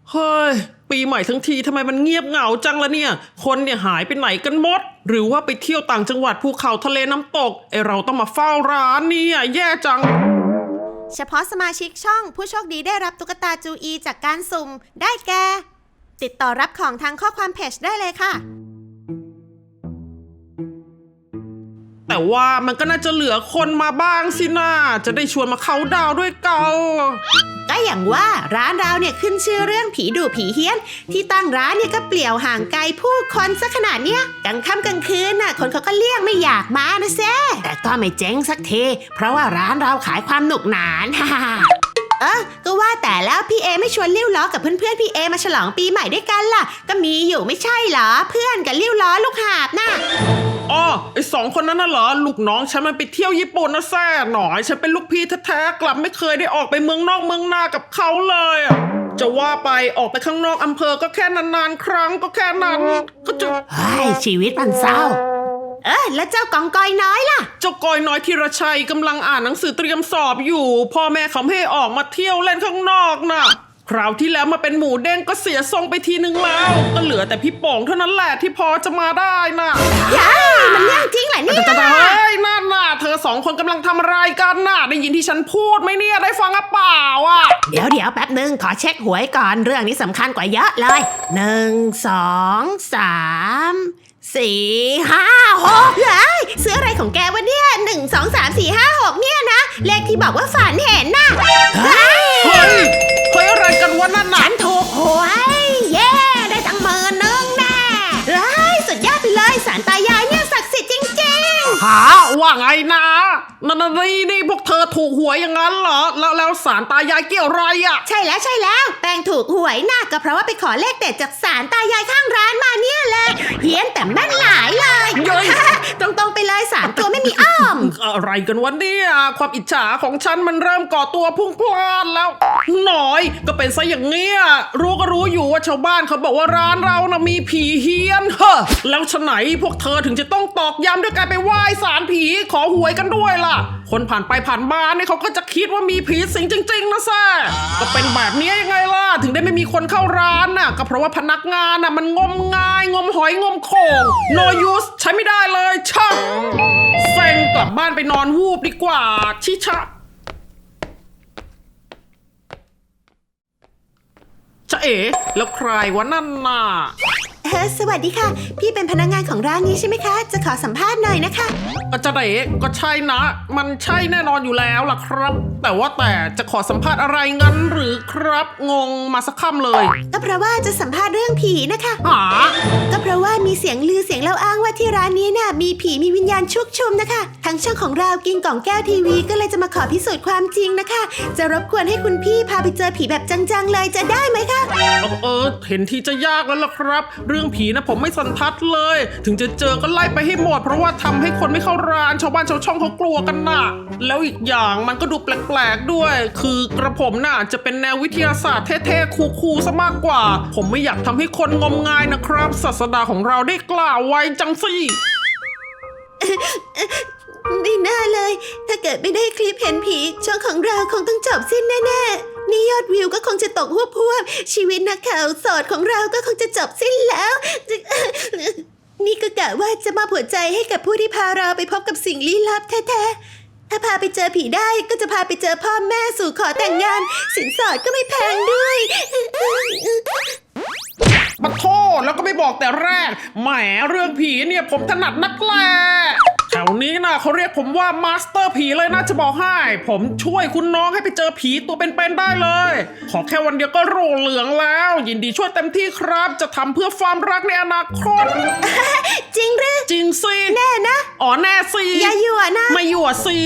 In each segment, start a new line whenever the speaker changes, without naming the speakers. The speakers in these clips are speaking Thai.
เฮ้ยปีใหม่ทั้งทีทำไมมันเงียบเหงาจังละเนี่ยคนเนี่ยหายไปไหนกันหมดหรือว่าไปเที่ยวต่างจังหวัดภูเขาทะเลน้ำตกเราต้องมาเฝ้าร้านเนี่ยแย่จัง
เฉพาะสมาชิกช่องผู้โชคดีได้รับตุ๊กตาจูอีจากการสุ่มได้แก่ติดต่อรับของทางข้อความเพจได้เลยค่ะ
แต่ว่ามันก็น่าจะเหลือคนมาบ้างสินะจะได้ชวนมาเขาดาวด้วยกัน
ก็อย่างว่าร้านเราเนี่ยขึ้นชื่อเรื่องผีดุผีเฮี้ยนที่ตั้งร้านเนี่ยก็เปลี่ยวห่างไกลผู้คนซะขนาดเนี้ยกลางค่ำกลางคืนน่ะคนเขาก็เลี่ยงไม่อยากมานะเซ่แต่ก็ไม่เจ๊งสักทีเพราะว่าร้านเราขายความหนุกหนานฮ่าก็ว่าแต่แล้วพี่เอไม่ชวนลิ้วล้อกับเพื่อนๆพี่เอมาฉลองปีใหม่ด้วยกันล่ะก็มีอยู่ไม่ใช่เหรอเพื่อนกับลิ้วล้อลูกหาบน่ะ
อ๋อไอสองคนนั้นน่ะเหรอลูกน้องฉันมันไปเที่ยวญี่ปุ่นนะแซ่หน่อยฉันเป็นลูกพี่แท้ๆกลับไม่เคยได้ออกไปเมืองนอกเมืองนากับเขาเลยจะว่าไปออกไปข้างนอกอำเภอก็แค่นานๆครั้งก็แค่นั้นก็จะ
ชีวิตมันเศร้าแล้วเจ้ากองกอยน้อยล่ะ
เจ้ากอยน้อยธีรชัยกำลังอ่านหนังสือเตรียมสอบอยู่พ่อแม่เขาไม่ให้ออกมาเที่ยวเล่นข้างนอกน่ะคราวที่แล้วมาเป็นหมูเด้งก็เสียทรงไปทีนึงแล้วก็เหลือแต่พี่ป๋องเท่านั้นแหละที่พอจะมาได้น่ะ
มันเรื่องจริงเหรอเนี่ย
เฮ้ยนั่นน่ะเธอสองคนกำลังทำอะไรกันน่ะได้ยินที่ฉันพูดไหมเนี่ยได้ฟังหรือเปล่า
เดี๋ยวแป๊บนึงขอเช็คหวยก่อนเรื่องนี้สำคัญกว่าเยอะเลย1 2 3 4 5 6ซื้ออะไรของแกวะเนี่ย1 2 3 4 5 6เนี่ยนะเลขที่บอกว่าฝันเห็นน่ะ
เฮ้ยอะไรกันวะนั่นน่ะ
ฉันถูกหวยเย้ได้ตั้ง10,000แน่สุดยอดไปเลยศาลตายายเนี่ยศักดิ์สิทธิ์จริง
ๆว่าไงนะนี่พวกเธอถูกหวยอย่างนั้นเหรอแล้วศาลตายายเกี่ยวอะไร
ใช่แล้วแป้งถูกหวยน่ะก็เพราะว่าไปขอเลขเด็ดจากศาลตายายข้างร้านมาเนี่ยแหละเฮี้ยนแต่แม่นหลายเลยตรงไปเลย3 ตัวไม่มีอ้อม
อะไรกันวะเนี่ยความอิจฉาของฉันมันเริ่มก่อตัวพุ่งพล่านแล้วหน่อยก็เป็นซะอย่างเงี้ยรู้อยู่ว่าชาวบ้านเขาบอกว่าร้านเรานะมีผีเฮี้ยนแล้วฉะไหนพวกเธอถึงจะต้องตอกย้ำด้วยการไปไหว้ศาลผีขอหวยกันด้วยล่ะคนผ่านไปผ่านมาเนี่ยเขาก็จะคิดว่ามีผีสิงจริงๆนะแซ่ก็เป็นแบบนี้ยังไงล่ะถึงได้ไม่มีคนเข้าร้านน่ะก็เพราะว่าพนักงานน่ะมันงมงายงมหอยงมโข่ง no use ใช้ไม่ได้เลยช่างเซ็งกลับบ้านไปนอนวูบดีกว่าชิชะเอ๋แล้วใครวะนั่นน่ะ
สวัสดีค่ะพี่เป็นพนักงานของร้านนี้ใช่ไหมคะจะขอสัมภาษณ์หน่อยนะคะ
จะเอ๋ก็ใช่นะมันใช่แน่นอนอยู่แล้วล่ะครับแต่จะขอสัมภาษณ์อะไรงั้นหรือครับงงมาสักคำเลย
ก็เพราะว่าจะสัมภาษณ์เรื่องผีนะคะก็เพราะว่ามีเสียงลือเสียงเล่าอ้างว่าที่ร้านนี้น่ะมีผีมีวิญญาณชุกชุมนะคะทางช่องของเรากินกล่องแก้วทีวีก็เลยจะมาขอพิสูจน์ความจริงนะคะจะรบกวนให้คุณพี่พาไปเจอผีแบบจังๆเลยจะได้ไหมคะ
เห็นทีจะยากแล้วล่ะครับเรื่องผีนะผมไม่สันทัดเลยถึงจะเจอก็ไล่ไปให้หมดเพราะว่าทำให้คนไม่เข้าร้านชาวบ้านชาวช่องเขากลัวกันน่ะแล้วอีกอย่างมันก็ดูแปลกๆด้วยคือกระผมน่ะจะเป็นแนววิทยาศาสตร์เท่ๆคูลๆซะมากกว่าผมไม่อยากทำให้คนงมงายนะครับศาสดาของเราได้กล่าวไว้จังสิ
ไม่น่าเลยถ้าเกิดไม่ได้คลิปเห็นผีช่องของเราคงต้องจบสิ้นแน่ๆนี่ยอดวิวก็คงจะตกพวบชีวิตนักข่าวโสดของเราก็คงจะจบสิ้นแล้วนี่ก็กะว่าจะมาหัวใจให้กับผู้ที่พาเราไปพบกับสิ่งลี้ลับแท้ๆถ้าพาไปเจอผีได้ก็จะพาไปเจอพ่อแม่สู่ขอแต่งงานสินสอดก็ไม่แพงด้วย
มาโทษแล้วก็ไม่บอกแต่แรกแหมเรื่องผีเนี่ยผมถนัดนักแลแถวนี้นะเขาเรียกผมว่ามาสเตอร์ผีเลยนะจะบอกให้ผมช่วยคุณน้องให้ไปเจอผีตัวเป็นๆได้เลยขอแค่วันเดียวก็โรเหลืองแล้วยินดีช่วยเต็มที่ครับจะทำเพื่อความรักในอนาคต
จริงหรือ
จริงสิ
แน่นะ
แน่สิ
อย่าหยั่วนะ
ไม่หยั่วสิ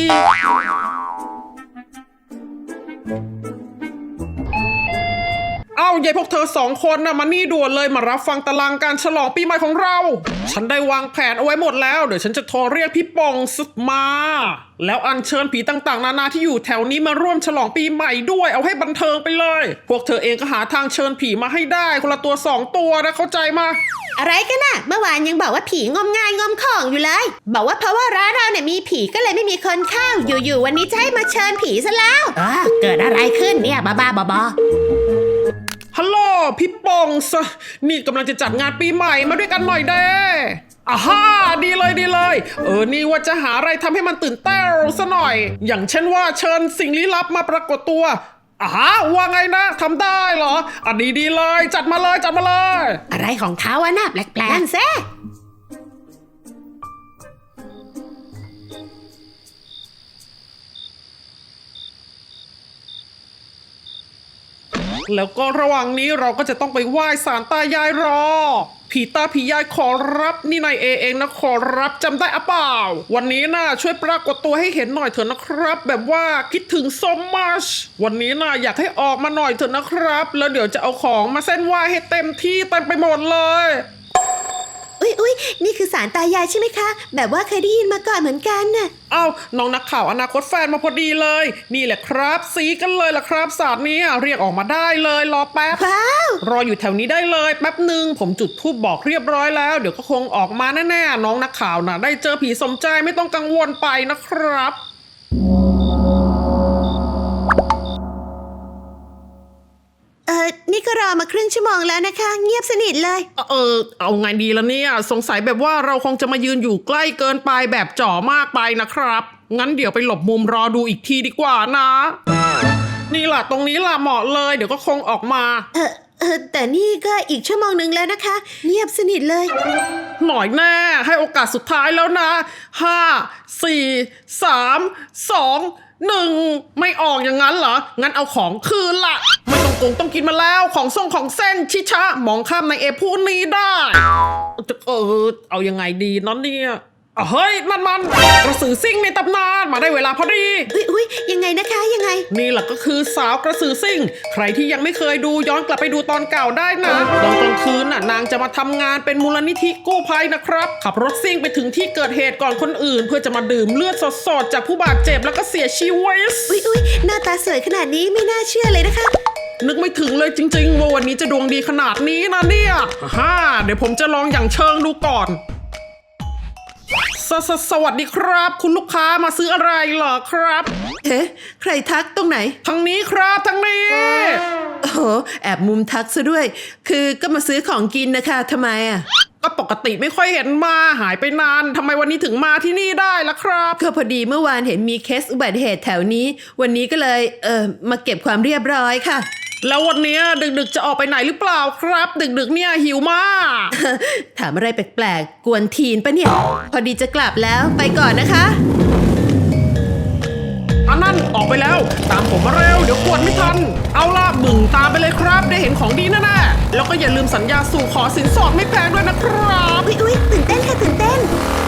ยายพวกเธอ2 คนนะมานี่ด่วนเลยมารับฟังตารางการฉลองปีใหม่ของเราฉันได้วางแผนเอาไว้หมดแล้วเดี๋ยวฉันจะโทรเรียกพี่ปองซึกมาแล้วอัญเชิญผีต่างๆนานาที่อยู่แถวนี้มาร่วมฉลองปีใหม่ด้วยเอาให้บันเทิงไปเลยพวกเธอเองก็หาทางเชิญผีมาให้ได้คนละตัว2 ตัวนะเข้าใจมา
อะไรกันน่ะเมื่อวานยังบอกว่าผีงมงายงมของอยู่เลยบอกว่าเพราะว่าร้านเราเนี่ยมีผีก็เลยไม่มีคนเข้าอยู่ๆวันนี้จะให้มาเชิญผีซะแล้วเกิดอะไรขึ้นเนี่ยบ้าๆบอ
ฮัลโหลพี่ป่องซะนี่กำลังจะจัดงานปีใหม่มาด้วยกันหน่อยเด้อ่าฮ่าดีเลยดีเลยนี่ว่าจะหาอะไรทำให้มันตื่นเต้นซะหน่อย อย่างเช่นว่าเชิญสิ่งลี้ลับมาปรากฏตัวว่าไงนะทำได้เหรอดีเลยจัดมาเลยจัดมาเลย
อะไรของเขาอะน่ะแปลกๆนั่นแซ่
แล้วก็ระหว่างนี้เราก็จะต้องไปไหว้ศาลตายายรอผีตาผียายขอรับนี่นายเองนะขอรับจำได้อะเปล่าวันนี้นะช่วยปรากฏตัวให้เห็นหน่อยเถอะนะครับ แบบว่าคิดถึง so much วันนี้นะอยากให้ออกมาหน่อยเถอะนะครับแล้วเดี๋ยวจะเอาของมาเส้นไหว้ให้เต็มที่เต็มไปหมดเลย
อุ๊ยนี่คือสารตายายใช่ไหมคะแบบว่าเคยได้ยินมาก่อนเหมือนกันน่ะ
อ้าวน้องนักข่าวอนาคตแฟนมาพอดีเลยนี่แหละครับสีกันเลยล่ะครับศาสตร์นี้เรียกออกมาได้เลยรอแป๊บ
ว้าว
รออยู่แถวนี้ได้เลยแป๊บหนึ่งผมจุดธูปบอกเรียบร้อยแล้วเดี๋ยวก็คงออกมาแน่ๆน้องนักข่าวนะได้เจอผีสมใจไม่ต้องกังวลไปนะครับ
นี่ก็รอมาครึ่งชั่วโมงแล้วนะคะ เงียบสนิทเลย
เอาไงดีละเนี่ยสงสัยแบบว่าเราคงจะมายืนอยู่ใกล้เกินไปแบบจ่อมากไปนะครับงั้นเดี๋ยวไปหลบมุมรอดูอีกทีดีกว่านะ นี่ล่ะตรงนี้ล่ะเหมาะเลยเดี๋ยวก็คงออกมา
แต่นี่ก็อีกชั่วโมงหนึ่งแล้วนะคะ เงียบสนิทเลย
หน่อยแน่ให้โอกาสสุดท้ายแล้วนะ5 4 3 2 1ไม่ออกอย่างนั้นเหรองั้นเอาของคืนละไม่ต้องโกงต้องกินมาแล้วของส่งของเส้นชิชะมองข้ามในเอพูดนี้ได้เอายังไงดีน้องเนี่ยเฮ้ยนั่นมันกระสือซิ่งในตำนานมาได้เวลาพอดี
อุ๊ยยังไงนะคะยังไง
นี่แหละก็คือสาวกระสือซิ่งใครที่ยังไม่เคยดูย้อนกลับไปดูตอนเก่าได้นะตอนกลางคืนน่ะนางจะมาทำงานเป็นมูลนิธิกู้ภัยนะครับขับรถซิ่งไปถึงที่เกิดเหตุก่อนคนอื่น เพื่อจะมาดื่มเลือดสดๆจากผู้บาดเจ็บแล้วก็เสียชีวิต
อุ๊ยหน้าตาสวยขนาดนี้ไม่น่าเชื่อเลยนะคะ
นึกไม่ถึงเลยจริงๆว่าวันนี้จะดวงดีขนาดนี้นะเนี่ยเดี๋ยวผมจะลองอย่างเชิงดูก่อนสวัสดีครับคุณลูกค้ามาซื้ออะไรเหรอครับ
ใครทักตรงไหน
ทางนี้ครับทางนี้
โอ้โหแอบมุมทักซะด้วย คือก็มาซื้อของกินนะคะทำไมอ่ะ
ก็ปกติไม่ค่อยเห็นมาหายไปนานทำไมวันนี้ถึงมาที่นี่ได้ล่ะครับ
ก็พอดีเมื่อวานเห็นมีเคสอุบัติเหตุแถวนี้ วันนี้ก็เลยมาเก็บความเรียบร้อยค่ะ
แล้ววันนี้ดึกๆจะออกไปไหนหรือเปล่าครับ ดึกๆเนี่ยหิวมาก
ถามอะไรแปลกๆกวนทีนปะเนี่ย พอดีจะกลับแล้วไปก่อนนะคะ
อันนั้นออกไปแล้วตามผมมาเร็วเดี๋ยวกวนไม่ทันเอาล่ะมึงตามไปเลยครับได้เห็นของดีแน่ๆแล้วก็อย่าลืมสัญญาสู่ขอสินสอดไม่แพงด้วยนะครับ
อุ๊ยตื่นเต้นค่ะตื่นเต้น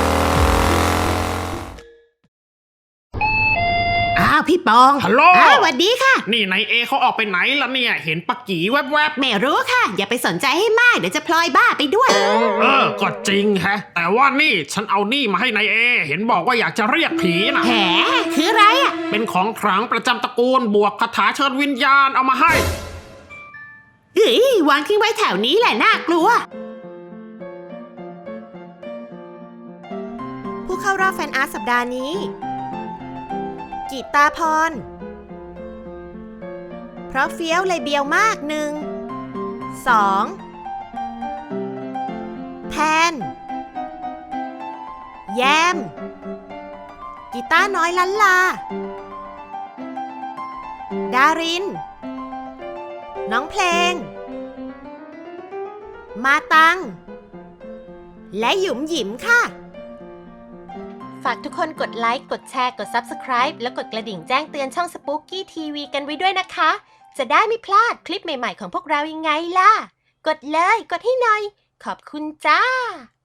อ้าวพี่ปอง
ฮัลโหล
สวัสดีค่ะ
นี่นายเอเขาออกไปไหนล่ะเนี่ยเห็นปักกี่แวบ
ไม่รู้ค่ะ อย่าไปสนใจให้มากเดี๋ยวจะพลอยบ้าไปด้วย
ก็จริงฮะแต่ว่านี่ฉันเอานี่มาให้นายเอเห็นบอกว่าอยากจะเรียกผีนะ
แหมคืออะไรอ่ะ
เป็นของขลังประจำตระกูลบวกคาถาเชิญวิญญาณเอามาให้
วางทิ้งไว้แถวนี้แหละน่ากลัว ผู้เข้ารอบแฟนอาร์ตสัปดาห์นี้กีตาพรเพราะเฟี้ยวเลยเบียวมาก1 2แทนแยมกีตาร์น้อยลันลาดารินน้องเพลงมาตังและหยุมหยิมค่ะฝากทุกคนกดไลค์ กดแชร์ กด Subscribe แล้วกดกระดิ่งแจ้งเตือนช่อง Spooky TV กันไว้ด้วยนะคะ จะได้ไม่พลาดคลิปใหม่ๆของพวกเรายังไงล่ะ กดเลย กดให้หน่อย ขอบคุณจ้า